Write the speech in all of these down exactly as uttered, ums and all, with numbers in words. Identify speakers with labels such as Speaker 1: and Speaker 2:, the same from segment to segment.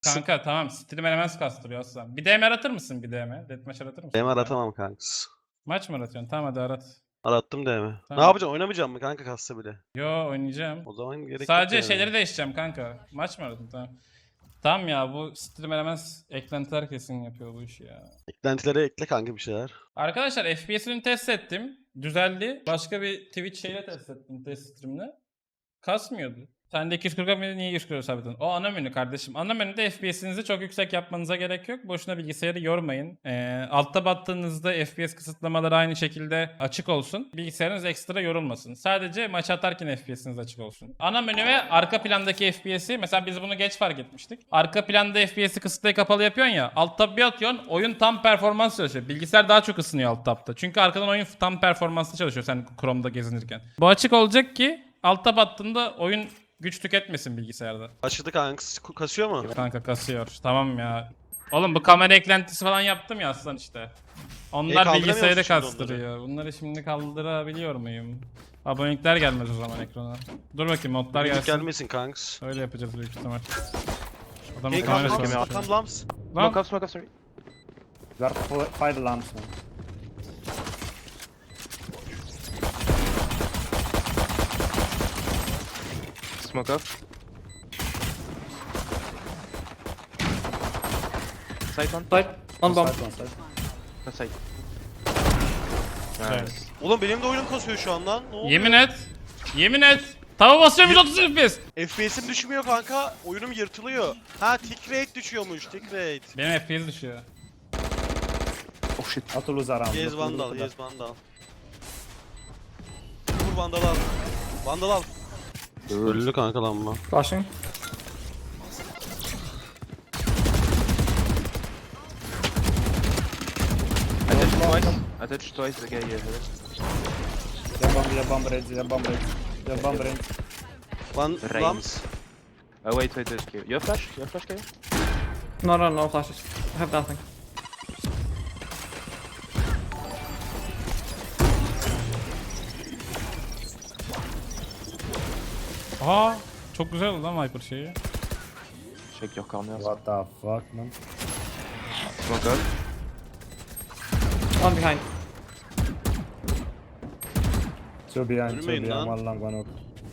Speaker 1: Kanka tamam, stream elements kastırıyor aslan. Bir D M aratır mısın bir D M? Deathmatch aratır mısın?
Speaker 2: D M aratamam kanks.
Speaker 1: Maç mı aratıyorsun? Tamam hadi arat.
Speaker 2: Arattım D M.
Speaker 1: Tamam.
Speaker 2: Ne yapacaksın? Oynamayacağım mı kanka kassa bile?
Speaker 1: Yo oynayacağım.
Speaker 2: O zaman gerek
Speaker 1: Sadece
Speaker 2: yok yani.
Speaker 1: şeyleri değiştireceğim kanka. Maç mı aradın? Tamam. Tamam ya, bu stream elements eklentiler kesin yapıyor bu işi ya.
Speaker 2: Eklentilere ekle kanka bir şeyler.
Speaker 1: Arkadaşlar F P S'ini test ettim. Düzeldi. Başka bir Twitch şeyle test ettim, test streamle. Kasmıyordu. Sen de iki yüz kırk mıydı, niye yüz kırk sabitledin? O ana menü kardeşim. Ana menüde F P S'inizi çok yüksek yapmanıza gerek yok. Boşuna bilgisayarı yormayın. Ee, altta battığınızda F P S kısıtlamaları aynı şekilde açık olsun. Bilgisayarınız ekstra yorulmasın. Sadece maç atarken F P S'iniz açık olsun. Ana menü ve arka plandaki F P S'i, mesela biz bunu geç fark etmiştik. Arka planda F P S'i kısıtlayı kapalı yapıyorsun ya. Alt tab bir atıyorsun, oyun tam performans çalışıyor. Bilgisayar daha çok ısınıyor alt tabda. Çünkü arkadan oyun tam performanslı çalışıyor sen Chrome'da gezinirken. Bu açık olacak ki alt tab attığında oyun güç tüketmesin bilgisayarda.
Speaker 2: Başladı kanks. Kasıyor mu?
Speaker 1: Kanka kasıyor. Tamam ya. Oğlum bu kamera eklentisi falan yaptım ya aslan işte. Onlar
Speaker 2: E, kaldıramıyor
Speaker 1: bilgisayarı
Speaker 2: musun şimdi
Speaker 1: kastırıyor. Bunları şimdi kaldırabiliyor muyum? Abonelikler gelmez o zaman ekrana. Dur bakayım, modlar
Speaker 2: Gelsin.
Speaker 1: gelsin.
Speaker 2: Gelmesin kanks.
Speaker 1: Öyle yapacağız büyük ihtimal. Adamın
Speaker 2: Hey
Speaker 1: kamerası
Speaker 2: kanka
Speaker 1: var.
Speaker 2: Arkan Lams.
Speaker 1: Lan
Speaker 3: Smoke up, smoke up, sorry.
Speaker 4: There are four, five lamps now.
Speaker 3: Smoke up. Side one.
Speaker 4: Side.
Speaker 5: One bomb.
Speaker 4: Side, one side.
Speaker 3: One side.
Speaker 1: Evet.
Speaker 3: Nice.
Speaker 2: Oğlum benim de oyunum kasıyor şu an lan. Ne oluyor?
Speaker 1: yemin et. Yemin et. Tava basıyorum yüz otuz F P S.
Speaker 2: F P S'im düşmüyor kanka. Oyunum yırtılıyor. Ha tick rate düşüyormuş. Tick rate.
Speaker 1: Benim F P S düşüyor.
Speaker 3: Oh shit.
Speaker 4: Not to lose around.
Speaker 2: Yes
Speaker 4: not to lose
Speaker 2: Vandal.
Speaker 4: around.
Speaker 2: Yes Vandal. Vur Vandal al. Vandal al. Öldü kanka lan bu.
Speaker 5: Flashing.
Speaker 3: I touched twice. I touched twice the guy here.
Speaker 4: Yeah, bomb, yeah, bomb range, yeah, bomb range. Yeah, bomb range.
Speaker 2: Van
Speaker 3: Reigns.
Speaker 2: Lams.
Speaker 3: Oh wait, wait, wait. You have flash? You have flash, K?
Speaker 5: No, no, no flashes. I have nothing.
Speaker 1: Aa, çok güzel oldu lan Viper şeyi.
Speaker 3: Check your corners.
Speaker 4: What the fuck, man?
Speaker 3: Smoke up.
Speaker 5: One behind.
Speaker 4: Two behind, two
Speaker 2: Yürümeyin
Speaker 4: behind,
Speaker 2: lan.
Speaker 4: one long, one up.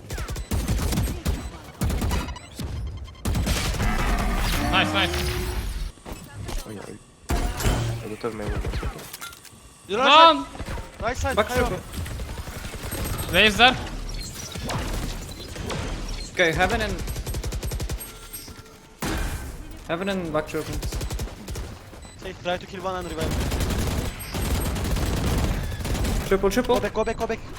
Speaker 1: Nice nice.
Speaker 3: Oh yeah. I don't have my weapons. Okay.
Speaker 2: Right
Speaker 1: Lan!
Speaker 2: side. Right side.
Speaker 5: Back
Speaker 2: Kayo.
Speaker 5: circle.
Speaker 1: Raze'ler.
Speaker 5: Okay, heaven and... Heaven and back circle.
Speaker 2: Say, try to kill one and revive.
Speaker 5: Triple, triple.
Speaker 2: Go back, go back, go back.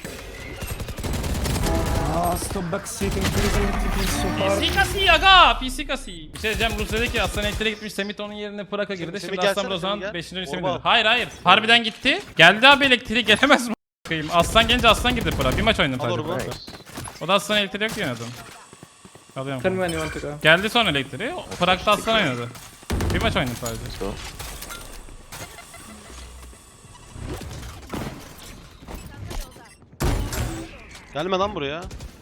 Speaker 4: Ah, stop backseating, please, electric is so hard.
Speaker 1: P C kasi aga! P C kasi. Bir şey diyeceğim, Rus dedi ki Aslan elektriğe gitmiş, Semit onun yerine Praka girdi.
Speaker 2: Semih
Speaker 1: Şimdi
Speaker 2: gelsene,
Speaker 1: Aslan
Speaker 2: Semih
Speaker 1: Rozan
Speaker 2: gel.
Speaker 1: beşinci Semit
Speaker 2: Orba
Speaker 1: dedi.
Speaker 2: al.
Speaker 1: Hayır hayır. Harbiden gitti. Geldi abi elektriği, gelemez mi? a**ayım? Aslan gelince Aslan girdi Praka. Bir maç oynadım
Speaker 2: Al
Speaker 1: sadece.
Speaker 2: orba.
Speaker 1: Praka. O da Aslan elektriği yok diye oynadım. Alıyorum.
Speaker 5: Tell me when you want to go.
Speaker 1: Geldi sonra elektriği. Prag'da Aslan oynadı. Bir maç oynadım sadece.
Speaker 3: Let's go.
Speaker 2: Gelme lan buraya.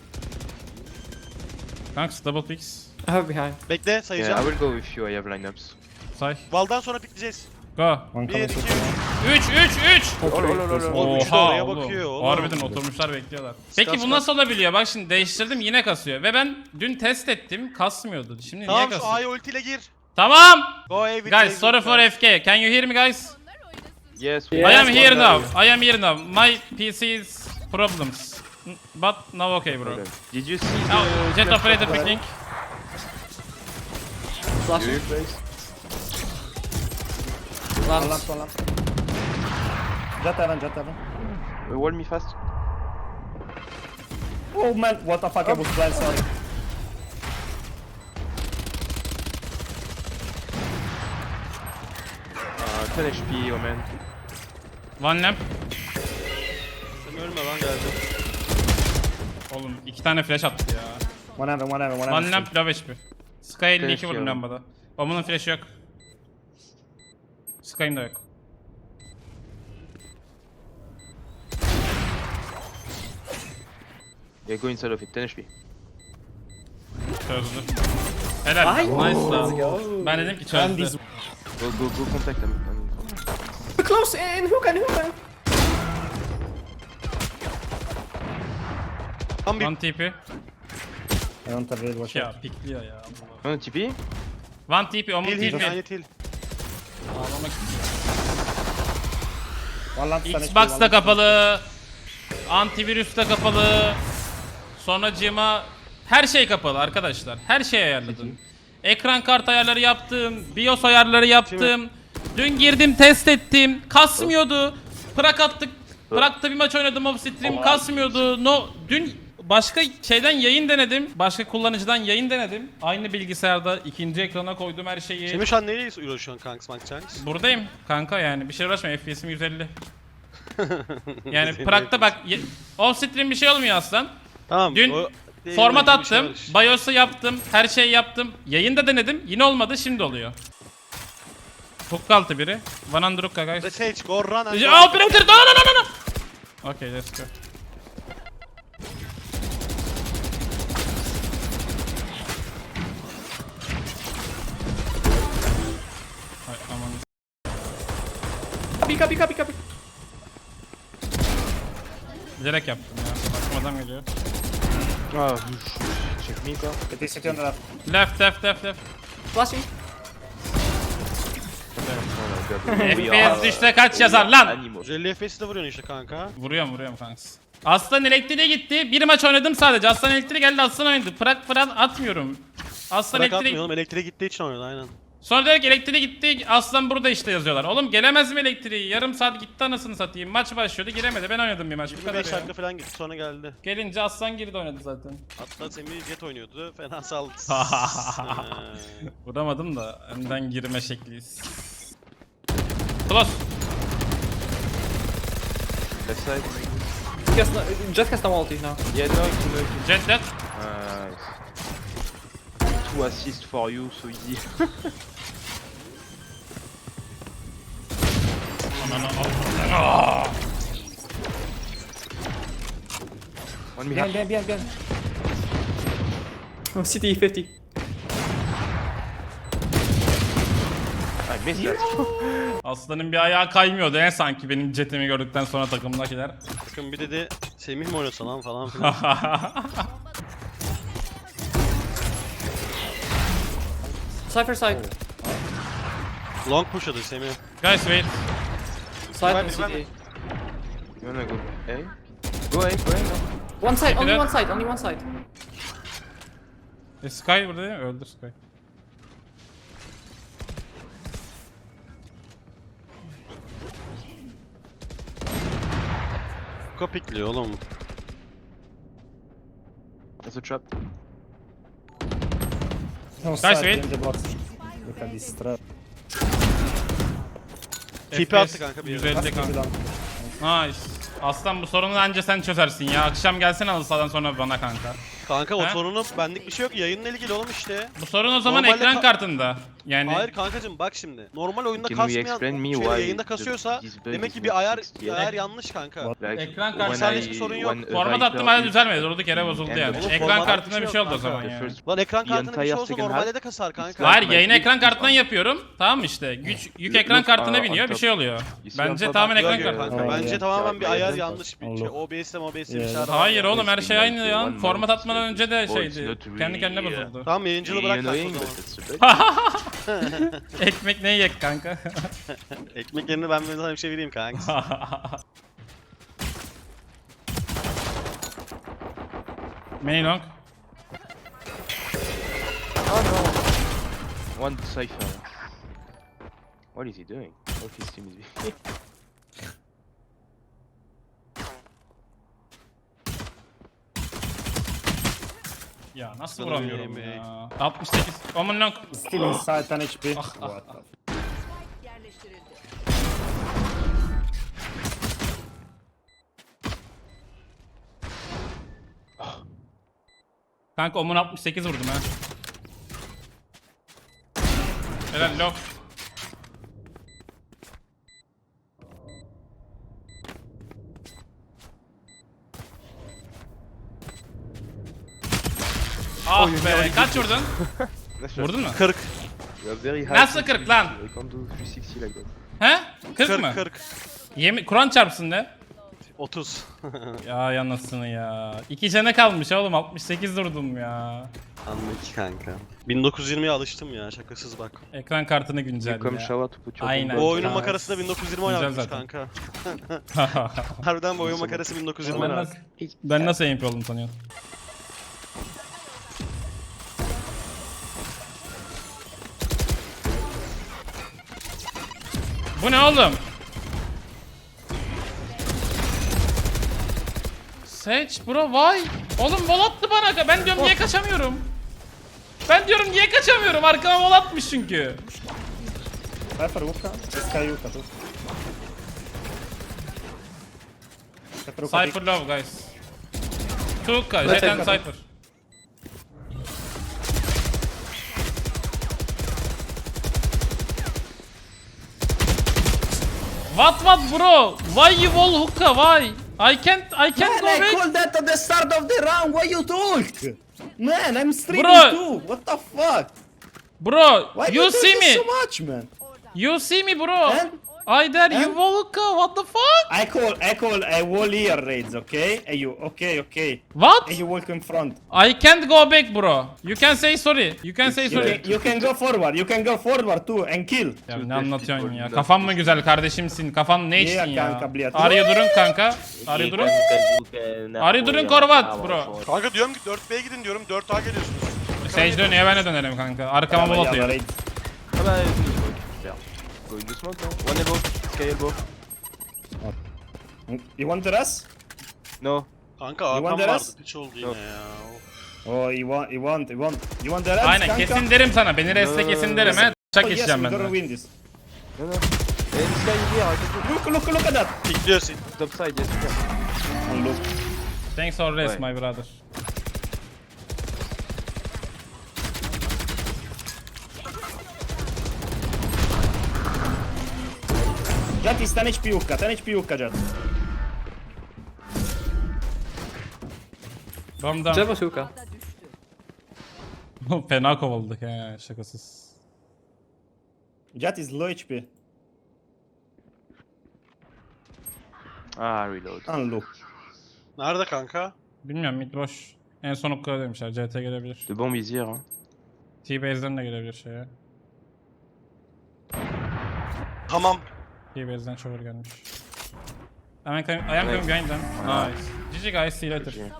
Speaker 1: Kanks double picks.
Speaker 5: I have behind.
Speaker 2: Bekle
Speaker 3: Yeah, I
Speaker 2: sayacağım.
Speaker 3: will go with you. I have lineups.
Speaker 1: Say.
Speaker 2: Valdan sonra pikleyeceğiz.
Speaker 1: Go.
Speaker 4: One
Speaker 2: bir,
Speaker 4: coming
Speaker 2: iki,
Speaker 4: to
Speaker 2: üç.
Speaker 1: üç üç üç.
Speaker 3: Oh, no, no, no, no.
Speaker 2: Oğlum, üçü de
Speaker 1: Oha
Speaker 2: oraya
Speaker 1: oğlum.
Speaker 2: bakıyor oğlum.
Speaker 1: Harbiden oturmuşlar bekliyorlar. Peki
Speaker 2: Sıkar,
Speaker 1: bu
Speaker 2: sıkar.
Speaker 1: nasıl olabiliyor? Bak şimdi değiştirdim, yine kasıyor. Ve ben dün test ettim, kasmıyordu. Şimdi niye
Speaker 2: Tamam şu
Speaker 1: kasıyor?
Speaker 2: A'ya ultiyle gir.
Speaker 1: Tamam.
Speaker 2: Go away with
Speaker 1: Guys,
Speaker 2: Raze
Speaker 1: sorry
Speaker 2: ult,
Speaker 1: for
Speaker 2: guys.
Speaker 1: F K. Can you hear me guys?
Speaker 3: Yes, we
Speaker 1: I
Speaker 5: Yes,
Speaker 1: am
Speaker 5: one
Speaker 1: here
Speaker 5: guy.
Speaker 1: now. I am here now. My P C's problems. But now okay bro.
Speaker 3: Okay. Did you see
Speaker 1: Oh,
Speaker 3: the
Speaker 1: Jet operator picking.
Speaker 5: Flashing.
Speaker 3: You place?
Speaker 4: One
Speaker 5: Lamps.
Speaker 4: lamp, one lamp. Jet heaven, jet heaven.
Speaker 3: Uh, wall me fast.
Speaker 4: Oh man, what the fuck, I was blind, sorry.
Speaker 3: Uh, ten H P, oh man.
Speaker 1: One lamp.
Speaker 2: Sen ölme lan geldim.
Speaker 1: Oğlum iki tane flash attı ya.
Speaker 4: One heaven, one heaven, one heaven.
Speaker 1: One lamp low H P. Sky elli iki
Speaker 3: Flash
Speaker 1: vurdum
Speaker 3: yok.
Speaker 1: lambada. Omunun flash'ı yok. Sky'ın da yok.
Speaker 3: Yeah, go inside of it. ten H P.
Speaker 1: Çözdü. Helal.
Speaker 5: Ay.
Speaker 1: Nice lan. Ben dedim ki
Speaker 4: And
Speaker 1: çözdü.
Speaker 4: this
Speaker 3: Go, go, go contact them.
Speaker 5: Close in hook and hook.
Speaker 2: Tam bir
Speaker 1: One T P.
Speaker 4: I don't have really watch
Speaker 1: Ya
Speaker 4: out.
Speaker 1: pikliyor ya.
Speaker 3: Oh, T P?
Speaker 1: One T P, Omun
Speaker 2: til
Speaker 1: T
Speaker 2: til.
Speaker 1: P.
Speaker 2: Aynı til.
Speaker 1: Ağlamak istiyor.
Speaker 4: One lamp, Spanish,
Speaker 1: Xbox
Speaker 4: one
Speaker 1: da
Speaker 4: lamp.
Speaker 1: kapalı. Antivirüs de kapalı. Sonracığıma her şey kapalı arkadaşlar. Her şey ayarladım. Ekran kart ayarları yaptım. BIOS ayarları yaptım. Dün girdim test ettim. Kasmıyordu. Prak attık. Prak'ta bir maç oynadım off stream. Kasmıyordu. No, dün başka şeyden yayın denedim. Başka kullanıcıdan yayın denedim. Aynı bilgisayarda ikinci ekrana koydum her şeyi.
Speaker 2: Semih şu an neyle uğraşıyorsun kanks Mankçanks?
Speaker 1: Buradayım kanka yani bir şey uğraşma, F P S'im yüz elli. Yani Prak'ta bak ye- off stream bir şey olmuyor aslan.
Speaker 2: Tamam.
Speaker 1: Dün
Speaker 2: o-
Speaker 1: Format
Speaker 2: bir şey
Speaker 1: attım,
Speaker 2: var işte.
Speaker 1: BIOS'u yaptım, her şeyi yaptım. Yayında denedim, yine olmadı, şimdi oluyor. Hook altı biri. One under hookah guys.
Speaker 2: The Sage, go run and
Speaker 1: Aa, operator, no no no no no. Okay, let's go. Ay aman.
Speaker 5: Copy, copy, copy, copy.
Speaker 1: Bilerek yaptım ya. Bakım adam geliyor.
Speaker 3: Ah, check me, quoi.
Speaker 4: It is city on the left.
Speaker 1: Left, left, left, left.
Speaker 5: Flashing.
Speaker 3: Oh my god.
Speaker 1: F P S düşse kaç yazar lan?
Speaker 3: Animal.
Speaker 2: yüz elli F P S'de vuruyorsun işte kanka.
Speaker 1: Vuruyorum vuruyorum kanks. Aslan elektriğe gitti. Bir maç oynadım sadece. Aslan elektriğe geldi, Aslan oynadı. Prak falan atmıyorum. Aslan
Speaker 2: Bırak
Speaker 1: elektriğe...
Speaker 2: atmıyor oğlum, elektriğe gittiği için oynadı aynen.
Speaker 1: Sonra diyor ki elektriğe gitti. Aslan burada işte yazıyorlar. Oğlum gelemez mi elektriği? Yarım saat gitti anasını satayım. Maç başlıyordu, giremedi. Ben oynadım bir maç. Bu
Speaker 2: yirmi
Speaker 1: kadar
Speaker 2: beş
Speaker 1: ya.
Speaker 2: dakika falan gitti sonra geldi.
Speaker 1: Gelince Aslan girdi oynadı zaten.
Speaker 2: Hatta Semih Jet oynuyordu. Fena saldı.
Speaker 1: Vuramadım da önden girme şekliyiz. Close.
Speaker 3: Left side.
Speaker 5: Just, no- just cast no ulti now.
Speaker 3: Yeah, no, no, no.
Speaker 1: Jet dead.
Speaker 3: Nice. Two assists for you, so easy.
Speaker 1: Ananı
Speaker 3: One me
Speaker 4: Behind,
Speaker 3: half.
Speaker 4: behind, behind, behind.
Speaker 5: Oh, C T fifty.
Speaker 3: I missed that.
Speaker 1: Aslanın bir ayağı kaymıyordu en sanki benim jetimi gördükten sonra takımdakiler.
Speaker 2: Bakın bir dedi Semih mi oynasa lan falan filan.
Speaker 5: Cypher side.
Speaker 2: Long pushladı Semih.
Speaker 1: Guys wait.
Speaker 5: Side
Speaker 2: Ben-
Speaker 5: and C
Speaker 2: ben-
Speaker 5: T.
Speaker 3: You wanna go A? Go A, go A, no?
Speaker 5: One side, only
Speaker 1: that.
Speaker 5: one side, only one side.
Speaker 1: E, Sky burada değil mi? Öldür Sky.
Speaker 2: Kopikliyor oğlum.
Speaker 3: That's a trap.
Speaker 4: No
Speaker 1: Guys,
Speaker 4: side,
Speaker 1: wait.
Speaker 4: in the box. Look at this trap.
Speaker 2: Tipi attı kanka bir
Speaker 1: yüz
Speaker 2: yere.
Speaker 1: elli kanka. Nice. Aslan bu sorunu anca sen çözersin ya. Akşam gelsene halı sahadan sonra bana kanka.
Speaker 2: Kanka o
Speaker 1: Ha?
Speaker 2: sorunu benlik bir şey yok. Yayınla ilgili oğlum işte.
Speaker 1: Bu sorun o zaman
Speaker 2: Normalde
Speaker 1: ekran
Speaker 2: ka-
Speaker 1: kartında. Yani
Speaker 2: Hayır kankacım bak şimdi. Normal oyunda
Speaker 3: Can you
Speaker 2: kasmayan
Speaker 3: explain me
Speaker 2: şey,
Speaker 3: why
Speaker 2: yayında
Speaker 3: the-
Speaker 2: kasıyorsa
Speaker 3: this bug
Speaker 2: demek
Speaker 3: is
Speaker 2: ki bir
Speaker 3: not
Speaker 2: ayar
Speaker 3: fixed
Speaker 2: bir
Speaker 3: yet?
Speaker 2: ayar yanlış kanka.
Speaker 3: Like,
Speaker 1: Ekran
Speaker 3: when
Speaker 1: kartı-
Speaker 2: Senlik
Speaker 3: I-
Speaker 2: bir sorun yok.
Speaker 3: when a
Speaker 1: format
Speaker 3: writer
Speaker 1: attım hala
Speaker 3: is-
Speaker 1: düzelmedi. Durduk yere bozuldu
Speaker 3: And
Speaker 1: yani.
Speaker 3: the-
Speaker 1: Ekran
Speaker 2: format
Speaker 1: kartında
Speaker 2: bir
Speaker 1: bir
Speaker 2: şey
Speaker 1: şey oldu o
Speaker 2: yok
Speaker 1: zaman
Speaker 2: kanka.
Speaker 3: The
Speaker 1: yani.
Speaker 3: first-
Speaker 2: Lan ekran
Speaker 3: the
Speaker 2: kartının bir şey
Speaker 3: entire
Speaker 2: olsa
Speaker 3: second
Speaker 2: normalde
Speaker 3: half,
Speaker 2: de kasar kanka.
Speaker 3: Like
Speaker 1: Hayır
Speaker 3: my
Speaker 1: yayın
Speaker 3: big
Speaker 1: ekran kartından
Speaker 3: one.
Speaker 1: yapıyorum. Tamam işte. Güç yük
Speaker 3: Look,
Speaker 1: ekran kartına
Speaker 3: uh,
Speaker 1: biniyor
Speaker 3: on
Speaker 1: bir
Speaker 3: top.
Speaker 1: şey oluyor.
Speaker 3: You see on
Speaker 1: Bence
Speaker 3: top?
Speaker 1: tamamen
Speaker 2: Yok
Speaker 1: ekran
Speaker 2: yok
Speaker 1: kartı.
Speaker 2: kanka.
Speaker 4: Oh,
Speaker 2: Bence
Speaker 4: yeah.
Speaker 2: tamamen bir ayar
Speaker 3: Yeah.
Speaker 2: yanlış bir şey.
Speaker 4: Allah.
Speaker 2: O B S'le O B S'le bir
Speaker 4: Yeah.
Speaker 2: şey arada.
Speaker 1: Hayır oğlum her
Speaker 3: It's
Speaker 1: şey
Speaker 3: been
Speaker 1: aynı
Speaker 3: like
Speaker 1: ya.
Speaker 3: one
Speaker 1: Format
Speaker 3: month,
Speaker 1: atmadan önce de
Speaker 3: oh, it's
Speaker 1: şeydi.
Speaker 3: not
Speaker 1: Kendi kendine
Speaker 3: really,
Speaker 1: bozuldu.
Speaker 2: Tamam yayıncılığı bırak kanka o
Speaker 3: annoying,
Speaker 2: zaman.
Speaker 3: but that's a bug.
Speaker 1: Ekmek ne yiyek kanka?
Speaker 2: Ekmek yerine ben sana bir şey vereyim kanka.
Speaker 1: Main long.
Speaker 3: One cipher. What is he doing? What his team is
Speaker 1: Ya nasıl
Speaker 2: Sana
Speaker 1: vuramıyorum
Speaker 2: yemeği.
Speaker 1: ya? altmış sekiz. Omen long.
Speaker 4: Still inside, ten H P.
Speaker 1: Ah,
Speaker 4: What the f-
Speaker 6: yerleştirildi.
Speaker 1: Kanka Omen altmış sekiz vurdum ha. Helal long. Ah be kaç vurdun?
Speaker 3: Nice
Speaker 1: Vurdun mu?
Speaker 2: kırk.
Speaker 3: You are very high.
Speaker 1: Nasıl
Speaker 3: to
Speaker 1: kırk lan?
Speaker 3: I can't do üç yüz altmış like that.
Speaker 1: He? kırk mı?
Speaker 2: kırk kırk.
Speaker 1: Yemin Kur'an çarpsın de.
Speaker 2: otuz.
Speaker 1: Ya yanasını ya. İki canı kalmış oğlum, altmış sekiz durdum ya.
Speaker 2: Anlık kanka. bin dokuz yüz yirmiye alıştım ya, şakasız bak.
Speaker 1: Ekran kartını
Speaker 3: You
Speaker 1: güncel
Speaker 3: come
Speaker 1: ya.
Speaker 3: shower to put your
Speaker 1: Aynen.
Speaker 3: bomb
Speaker 2: O
Speaker 3: on.
Speaker 2: oyunun
Speaker 1: Ha,
Speaker 2: makarası da bin dokuz yüz yirmi
Speaker 1: güzel
Speaker 2: oynanmış
Speaker 1: zaten.
Speaker 2: kanka. Harbiden bu oyun makarası bin dokuz yüz yirmi
Speaker 1: ben,
Speaker 2: oynamış.
Speaker 1: nasıl, ben nasıl M P oldum sanıyorsun? Bu ne oğlum? Seç bro, vay. Oğlum vol attı bana. Ben diyorum niye kaçamıyorum? Ben diyorum niye kaçamıyorum? Arkama vol atmış çünkü.
Speaker 4: Cypher hookah. Sky hookah too. Cypher hookah.
Speaker 1: Cypher love guys. Tuka,
Speaker 5: Let's
Speaker 1: Jet and
Speaker 5: take
Speaker 1: Cypher. What what bro? Why you wall hookah? Why? I can't I can't go
Speaker 4: Man, I
Speaker 1: back.
Speaker 4: called that at the start of the round. Why you talk? Man, I'm streaming
Speaker 1: Bro.
Speaker 4: too. What the fuck?
Speaker 1: Bro,
Speaker 4: Why
Speaker 1: you
Speaker 4: you
Speaker 1: see
Speaker 4: talking
Speaker 1: me?
Speaker 4: so much, man?
Speaker 1: You see me bro?
Speaker 4: And
Speaker 1: I dare you
Speaker 4: And?
Speaker 1: wall hookah. What the fuck?
Speaker 4: I call, I call a wall here raids, okay? And you, okay, okay.
Speaker 1: What?
Speaker 4: And you walk in front.
Speaker 1: I can't go back bro. You can say sorry. You can say
Speaker 4: You
Speaker 1: sorry.
Speaker 4: can, you can go forward. You can go forward too and kill.
Speaker 1: Ya ne anlatıyorsun ya? Kafan mı güzel kardeşimsin? Kafan ne içtin
Speaker 4: Yeah,
Speaker 1: ya?
Speaker 4: kanka, bliyat.
Speaker 1: Arya durun kanka. Arya durun. Arya durun korvat bro.
Speaker 2: Kanka diyorum ki dört B'ye gidin diyorum, dört A geliyorsunuz.
Speaker 1: Sage dönüyor, ben de dönerim kanka. Arkama bol
Speaker 4: Yeah,
Speaker 1: atıyor.
Speaker 4: raids.
Speaker 3: Ah bah, il faut faire. Go in the smoke, non? One elbow, sky elbow.
Speaker 4: You want the rest?
Speaker 3: No.
Speaker 2: Kanka
Speaker 4: You
Speaker 2: Hakan
Speaker 4: want the
Speaker 2: vardı,
Speaker 4: rest?
Speaker 2: piç oldu yine
Speaker 3: Yok.
Speaker 2: ya.
Speaker 4: Oh, you want, you want, you want, you want the rest,
Speaker 1: Aynen
Speaker 4: kanka?
Speaker 1: kesin derim sana. Beni resle kesin derim he. Çak
Speaker 4: Oh, yes,
Speaker 1: içeceğim
Speaker 4: we're
Speaker 1: ben
Speaker 4: gonna
Speaker 1: de.
Speaker 4: win this.
Speaker 3: No, no. And sky is here, I can
Speaker 4: Look, look, look at that.
Speaker 2: Pikliyorsun.
Speaker 3: do top side, yes, you can.
Speaker 4: And look.
Speaker 1: Thanks for rest
Speaker 3: Right.
Speaker 1: my brother.
Speaker 4: Jet is ten H P hookah, ten H P hookah, Jet.
Speaker 1: Bomb down.
Speaker 5: Jet was hookah.
Speaker 1: Fena kovaladık he, şakasız.
Speaker 4: Jet is low H P.
Speaker 3: Ah, reload.
Speaker 4: And look.
Speaker 2: Nerede kanka?
Speaker 1: Bilmiyorum, mid boş. En son okula demişler. C T gelebilir.
Speaker 3: The bomb is here, hein.
Speaker 1: T-Base'den de gelebilir şeye.
Speaker 2: Tamam.
Speaker 1: T-Base'den çoğur gelmiş. I am coming, I am coming behind them. Nice. G G guys, see you later.
Speaker 3: Okay.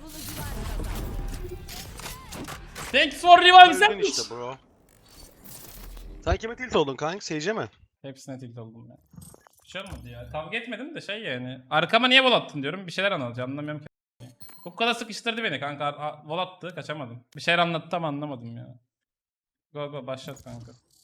Speaker 1: Thanks for revive
Speaker 2: Öldün
Speaker 1: sandwich.
Speaker 2: işte bro. Sen kime tilt oldun kanka? Sage'e mi?
Speaker 1: Hepsine tilt oldum ya. Bir şey olmadı ya. Kavga etmedim de şey yani. Arkama niye vol attın diyorum. Bir şeyler anlatacağım. Anlamıyorum ki. Bu kadar sıkıştırdı beni kanka. Ar- a- Vol attı. Kaçamadım. Bir şeyler anlattı ama anlamadım ya. Go go başlat kanka.